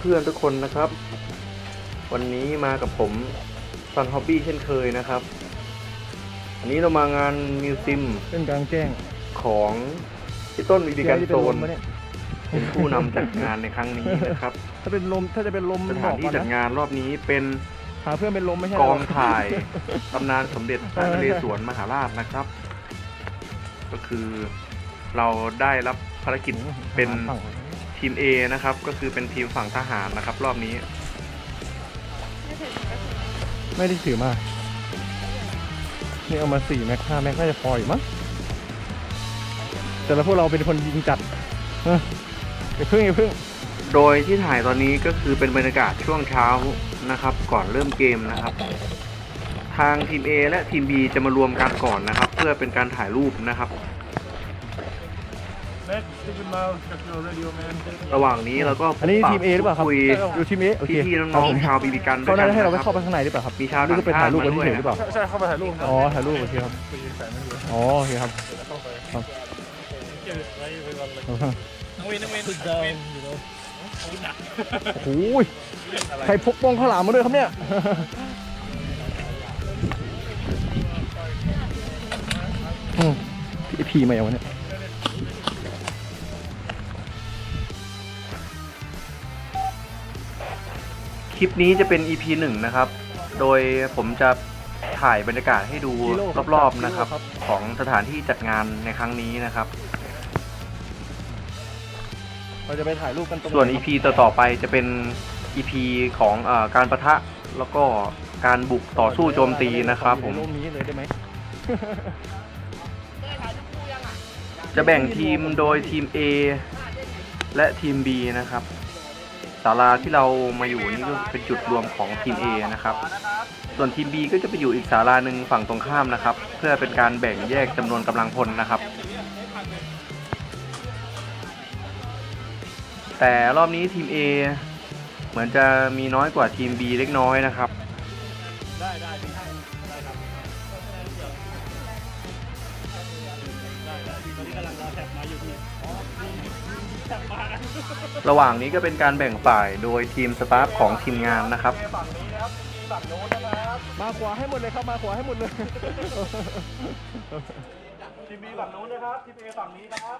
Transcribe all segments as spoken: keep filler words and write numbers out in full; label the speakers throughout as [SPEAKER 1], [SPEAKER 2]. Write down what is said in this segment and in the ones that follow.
[SPEAKER 1] พื่อนๆทุกคนนะครับวันนี้มากับผมซันฮอบบี้เช่นเคยนะครับอันนี้เรามางานมิวซิม
[SPEAKER 2] เป็นกลางแจ้ง
[SPEAKER 1] ของพี่ต้นวิดีการโซนเป็นผู้นำจัดงานในครั้งนี้นะครับ
[SPEAKER 2] ถ้าเป็นลมถ้าจะเป็นลม
[SPEAKER 1] สถานที่จัดงานรอบนี้เป็น
[SPEAKER 2] หาเพื่อนเป็นลมไม่ใช่
[SPEAKER 1] กองถ่ายตำนานสมเด็จพระนเรศวรมหาราชนะครับ ก็คือเราได้รับภารกิจเป็นทีม A นะครับก็คือเป็นทีมฝั่งทหารนะครับรอบนี้
[SPEAKER 2] ไม่ได้ถือมานี่เอามาสี่แม็กห้าแม็กน่าจะพออยู่มั้งแต่ละพวกเราเป็นคนยิงจัดอย่าพึ่งอย่าพึ่ง
[SPEAKER 1] โดยที่ถ่ายตอนนี้ก็คือเป็นบรรยากาศช่วงเช้านะครับก่อนเริ่มเกมนะครับทางทีม A และทีม B จะมารวมกันก่อนนะครับเพื่อเป็นการถ่ายรูปนะครับระหว่างนี้เราก็
[SPEAKER 2] อันนี้ทีม A หรือเปล่าครับ
[SPEAKER 1] คุย
[SPEAKER 2] ดูทีม A โอเค
[SPEAKER 1] พี่ๆน้องๆชาวบีบีกัน
[SPEAKER 2] เขาได้ให้เราไปเข้าไปข้างในหรือเปล่าครับ
[SPEAKER 1] มีชาว
[SPEAKER 2] ต่างชาติมาด้วยหรือเปล่า
[SPEAKER 3] ใช่เข้าไปถ่ายรูป
[SPEAKER 2] อ๋อถ่ายรูปโอเคครับอ๋อโอเคครับ
[SPEAKER 3] น้องวินน้องวิน
[SPEAKER 2] โอ้ยใครพกป้องข้าวหลามมาด้วยครับเนี่ยพี่พีมาอย่างวันนี้
[SPEAKER 1] คลิปนี้จะเป็น อี พี หนึ่งนะครับโดยผมจะถ่ายบรรยากาศให้ดูรอบๆนะครับของสถานที่จัดงานในครั้งนี้นะครับ
[SPEAKER 2] เราจะไปถ่ายรูปกัน
[SPEAKER 1] ส่วน อี พี ต่อๆไปจะเป็น อี พี ของเอ่อการปะทะแล้วก็การบุกต่อสู้โจมตีนะครับผมจะแบ่งทีมโดยทีม A และทีม B นะครับศาลาที่เรามาอยู่นี่ก็เป็นจุดรวมของทีม A นะครับส่วนทีม B ก็จะไปอยู่อีกศาลาหนึ่งฝั่งตรงข้ามนะครับเพื่อเป็นการแบ่งแยกจำนวนกำลังพลนะครับแต่รอบนี้ทีม A เหมือนจะมีน้อยกว่าทีม B เล็กน้อยนะครับได้ได้ได้ได้ครับระหว่างนี้ก็เป็นการแบ่งฝ่ายโดยทีมสตาฟของทีมงานนะครับ
[SPEAKER 2] มาขวาให้หมดเลยครับมาขวาให้หมดเลย
[SPEAKER 3] ทีม B ฝั่งนู้นนะครับทีม A ฝั่งนี้นะครับ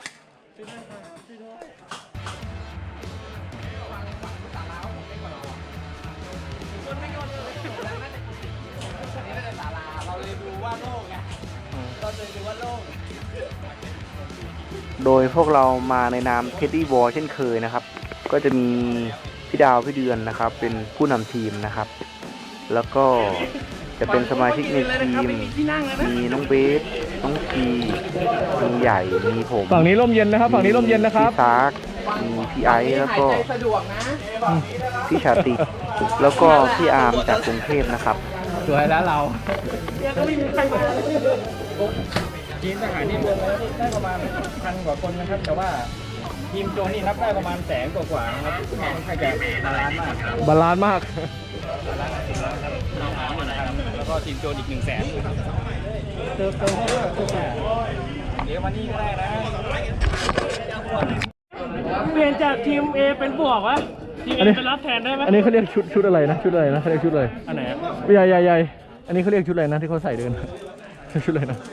[SPEAKER 1] โดยพวกเรามาในนามเท็ดดี้วอลเช่นเคยนะครับก็จะมีพี่ดาวพี่เดือนนะครับเป็นผู้นำทีมนะครับแล้วก็จะเป็นสมาชิกในทีมมีน้องเบสน้องพีมีใหญ่มีผม
[SPEAKER 2] ฝั่งนี้ร่มเย็นนะครับฝั่งนี้ร่มเย็นนะครับ
[SPEAKER 1] พี่ซากมีพี่ไอซ์แล้วก็พี่ชาติแล้วก็พี่อาร์มจากกรุงเทพนะครับ
[SPEAKER 2] สวยแล้วเรา
[SPEAKER 3] ทีมทหารนี่รวมแล้วได้ประมาณพันกว่าคนนะครับแต่ว่าทีมโจนี่นับได้ประมาณแสนกว่าๆนะครับค่อนข้างจะบาลานซ์มาก
[SPEAKER 2] บาลานซ์มาก
[SPEAKER 3] แล้วก็ทีมโจนอีกหนึ่งแสนเติมเติมให้ด้วยเดี๋ยวมานี่ก็ได้นะเปลี่ยนจากทีม A เป็นบวกวะทีม A เป็นรับแทนได้ไหม
[SPEAKER 2] อันนี้เขาเรียกชุดชุดอะไรนะชุดอะไรนะเขาเรียกชุดอะไร
[SPEAKER 3] อันไหน
[SPEAKER 2] ใหญ่ใหญ่ใหญ่อันนี้เขาเรียกชุดอะไรนะที่เขาใส่เดินชุดอะไรนะ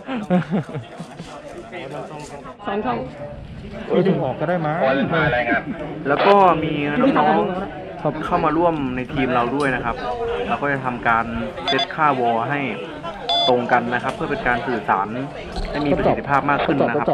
[SPEAKER 3] สองช่อง
[SPEAKER 2] ถึงออกก็ได้มั้ย
[SPEAKER 1] แล้วก็มีน้องๆเข้ามาร่วมในทีมเราด้วยนะครับเราก็จะทำการเซตค่าวอลให้ตรงกันนะครับเพื่อเป็นการสื่อสารให้มีประสิทธิภาพมากขึ้นนะครับ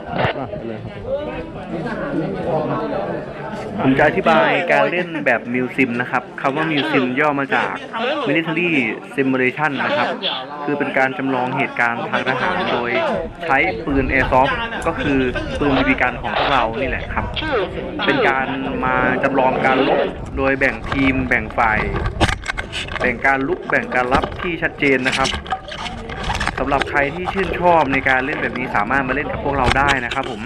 [SPEAKER 1] ผมจะอธิบายการเล่นแบบมิวซิมนะครับคำว่ามิวซิมย่อมาจาก Military Simulation นะครับคือเป็นการจำลองเหตุการณ์ทางทหารโดยใช้ปืน Airsoft ก็คือปืนบีบีกันของพวกเรานี่แหละครับเป็นการมาจำลองการรบโดยแบ่งทีมแบ่งฝ่ายแบ่งการลุกแบ่งการรับที่ชัดเจนนะครับสำหรับใครที่ชื่นชอบในการเล่นแบบนี้สามารถมาเล่นกับพวกเราได้นะครับผม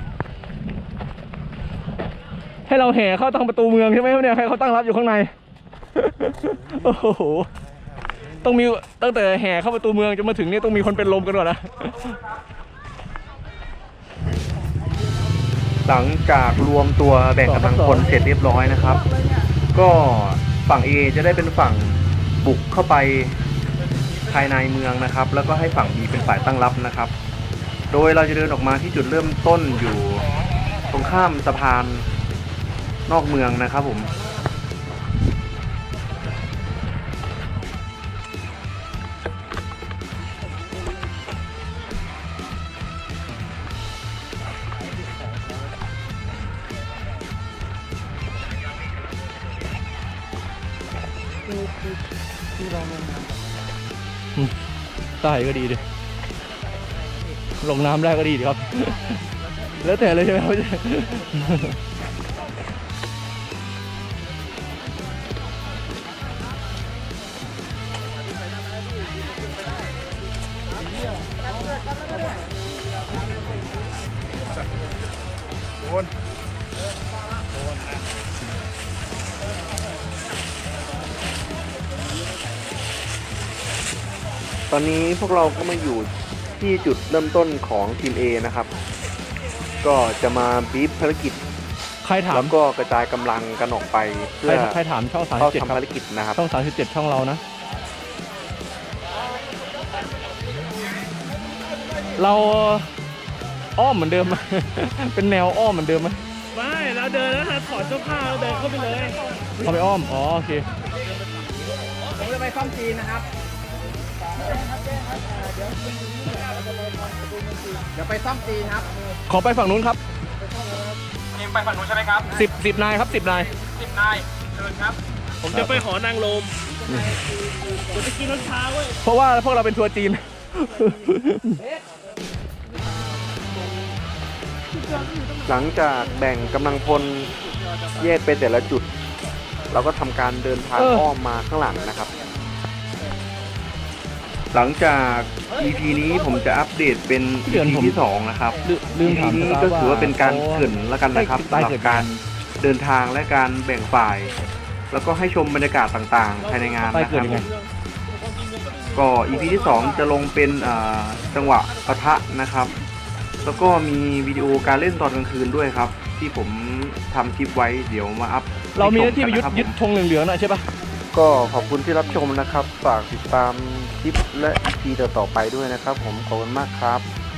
[SPEAKER 2] ให้เราแห่เข้าทางประตูเมืองใช่ไหมเนี่ยให้เขาตั้งรับอยู่ข้างในโอ้โหต้องมีตั้งแต่แห่เข้าประตูเมืองจนมาถึงนี่ต้องมีคนเป็นลมกันก่อนนะ
[SPEAKER 1] หลังจากรวมตัวแบ่งกำลังพลเสร็จเรียบร้อยนะครับ ก็ฝั่ง A จะได้เป็นฝั่งบุกเข้าไปภายในเมืองนะครับ แล้วก็ให้ฝั่ง B เป็นฝ่ายตั้งรับนะครับ โดยเราจะเดินออกมาที่จุดเริ่มต้นอยู่ตรงข้ามสะพานนอกเมืองนะครับผม
[SPEAKER 2] ใต้ก็ดีดิลงน้ำได้ก็ดีดีครับ แล้วแต่เลยใช่ไหมครับ
[SPEAKER 1] ตอนนี้พวกเราก็มาอยู่ที่จุดเริ่มต้นของทีม A นะครับ ก็จะมาบีฟภารกิจ
[SPEAKER 2] ใครถาม
[SPEAKER 1] แล้วก็กระจายกำลังกันออกไปเพื่
[SPEAKER 2] ใคร
[SPEAKER 1] อ
[SPEAKER 2] ใครถามช่องสาม
[SPEAKER 1] เข้า
[SPEAKER 2] สิบเจ็ด
[SPEAKER 1] ทำภารกิจนะครับ
[SPEAKER 2] ช่องสามสิบเจ็ดช่องเรานะ เราอ้อมเหมือนเดิมไหม เป็นแนวอ้อมเหมือนเดิมไหม
[SPEAKER 4] ไม่เราเดินแล้วนะถอดเสื้อผ้าแล้วเดินเข้าไปเลย
[SPEAKER 2] เขาไปอ้อม อ๋อ โอเค
[SPEAKER 3] ผมจะไปซ่อมจีนนะครับเดี๋ยวไปซ่อมจีนครับ
[SPEAKER 2] ขอไปฝั่งนู้นครับ
[SPEAKER 3] ทีมไปฝั่งนู้นใช่ไหมครับ
[SPEAKER 2] สิบสิบนายครับสิบนาย
[SPEAKER 3] สิบนายเชิญครับ
[SPEAKER 4] ผมจะไปหอนางลมผมจะกินน้ำชาเว้ย
[SPEAKER 2] เพราะว่าพวกเราเป็นทัวร์จีน
[SPEAKER 1] หลังจากแบ่งกำลังพลแยกไปแต่ละจุด เราก็ทำการเดินทาง
[SPEAKER 2] เออ
[SPEAKER 1] อ้อมมาข้างหลังนะครับ หลังจาก อี พี นี้ผมจะอัปเดตเป็น
[SPEAKER 2] เดื
[SPEAKER 1] อี
[SPEAKER 2] อน
[SPEAKER 1] พี
[SPEAKER 2] ผม
[SPEAKER 1] ที่สองนะครับ
[SPEAKER 2] ลืลืม
[SPEAKER 1] อี
[SPEAKER 2] ถาม
[SPEAKER 1] พีนี้
[SPEAKER 2] สตาฟ
[SPEAKER 1] ก็ถือว่าเป็นการเกริ่นแล้วกันนะครับ
[SPEAKER 2] ได้
[SPEAKER 1] สำหรับ
[SPEAKER 2] เกิด
[SPEAKER 1] การเดินทางและการแบ่งฝ่าย แล้วก็ให้ชมบรรยากาศต่างๆ ภายในงาน
[SPEAKER 2] ใต้
[SPEAKER 1] นะค
[SPEAKER 2] เกิด
[SPEAKER 1] รับ
[SPEAKER 2] ยังไง
[SPEAKER 1] ก็ อี พี ที่สองจะลงเป็นอ่าจังหวะปะทะนะครับ แล้วก็มีวิดีโอการเล่นตอนกลางคืนด้วยครับ ที่ผมทำคลิปไว้เดี๋ยวมาอัพ
[SPEAKER 2] เรามีหน้าที่ไป
[SPEAKER 1] ให้
[SPEAKER 2] ยึด
[SPEAKER 1] ชมกันนะครับ
[SPEAKER 2] ยึดธงเหลืองๆนะใช่ปะ
[SPEAKER 1] ก็ขอบคุณที่รับชมนะครับ ฝากติดตามคลิปและ อี พี ต่อๆไปด้วยนะครับ ผมขอบคุณมากครับ